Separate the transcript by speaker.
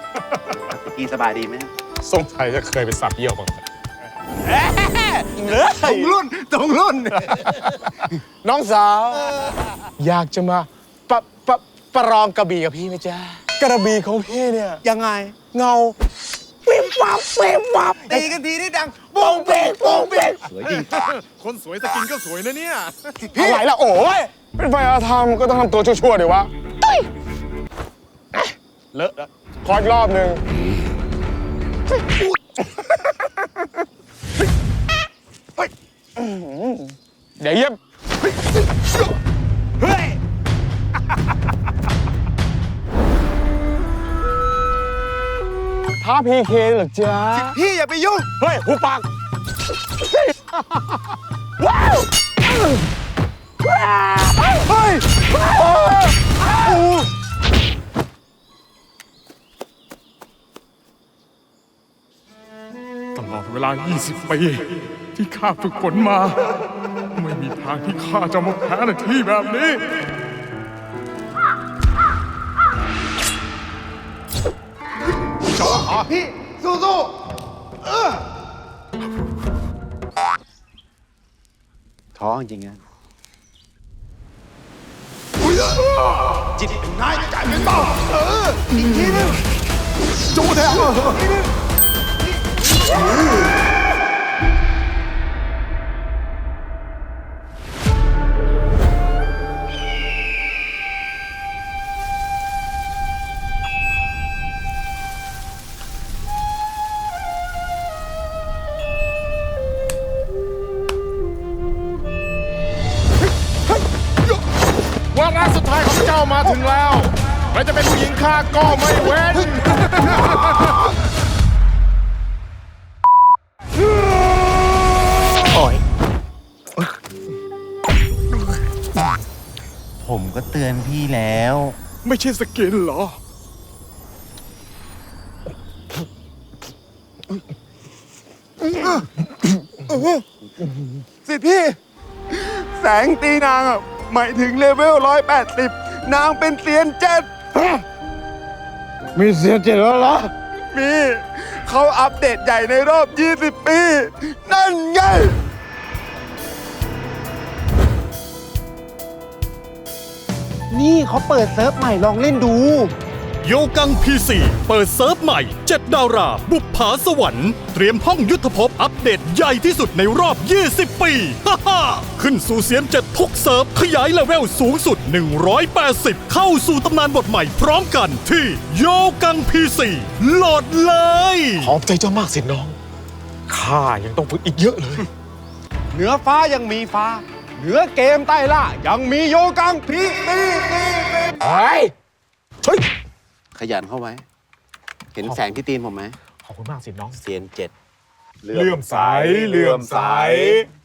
Speaker 1: กีสบายดีไหม
Speaker 2: สงสัยจะเคยไปสับเยี่ยวบ้าง
Speaker 3: ตรงรุ่น
Speaker 2: น้องสาว อยากจะมาประลองกระบี่กับพี่ไหมจ๊ะกระบี่ของพี่เนี่ย
Speaker 3: ยังไง
Speaker 2: เงาวิบวับวิบวับ
Speaker 3: ตีกันทีนี่ดัง
Speaker 2: โป่งเป่งโป่งเป่ง
Speaker 1: สวยจริง
Speaker 3: คนสวยสกินก็สวยนะเนี่ย
Speaker 2: อะไรล่ะโอ้ยเป็นไฟอาธรรมก็ต้องทำตัวชั่วๆดิวะเลอะขออีกรอบหนึ่งเดี๋ยวเย็บ
Speaker 3: เฮ้ย
Speaker 2: ท้าพีเคเหรอจ๊ะ
Speaker 3: พี่อย่าไปยุ่ง
Speaker 2: เฮ้ยหูปากว้าวเฮ้ย
Speaker 4: ตลอดเวลา 20 ปี ที่ข้าฝึกฝนมา ไม่มีทางที่ข้าจะมาแพ้ในที่แบบนี้
Speaker 3: พี่ สู้
Speaker 1: ท้อจริงๆนะ
Speaker 3: ๆจิตเป็นนายใจเป็นเบาอีกทีนึงจูแทงทีนึง
Speaker 4: วาระสุดท้ายของเจ้ามาถึงแล้วแม้จะเป็นผู้หญิงข้าก็ไม่เว้น
Speaker 1: ผมก็เตือนพี่แล้ว
Speaker 4: ไม่ใช่สกินเหรอ
Speaker 3: สิพี่ แสงตีนางอ่ะหมายถึงเลเวล 180 นางเป็นเซียนเจ็ด
Speaker 2: มีเสียเจ็ดแล้วเหรอ
Speaker 3: มีเขาอัปเดตใหญ่ในรอบ 20 ปี นั่นไง
Speaker 1: นี่เขาเปิดเซิร์ฟใหม่ลองเล่นดู
Speaker 5: โยกัง PC เปิดเซิร์ฟใหม่ 7 ดารา บุปผาสวรรค์ เตรียมห้องยุทธภพอัปเดตใหญ่ที่สุดในรอบ 20 ปี ฮ่าฮ่าขึ้นสู่เสียม7ทุกเซิร์ฟ ขยายเลเวลสูงสุด 180 เข้าสู่ตำนานบทใหม่พร้อมกันที่โยกัง PC โหลดเลย
Speaker 2: ขอบใจเจ้ามากสิน้อง ข้ายังต้องฝึกอีกเยอะเลย
Speaker 3: เหนือฟ้ายังมีฟ้า เหนือเกมใต้ล่า ยังมีโยกังพีตี
Speaker 2: เฮ้ยช่วย
Speaker 1: ขยันเข้าไว้ เห็นแสงที่ตีนผมไหม
Speaker 2: ขอบคุณมากสิน้อง
Speaker 1: เซียนเจ็ด
Speaker 4: เลื่อมใส เลื่อมใส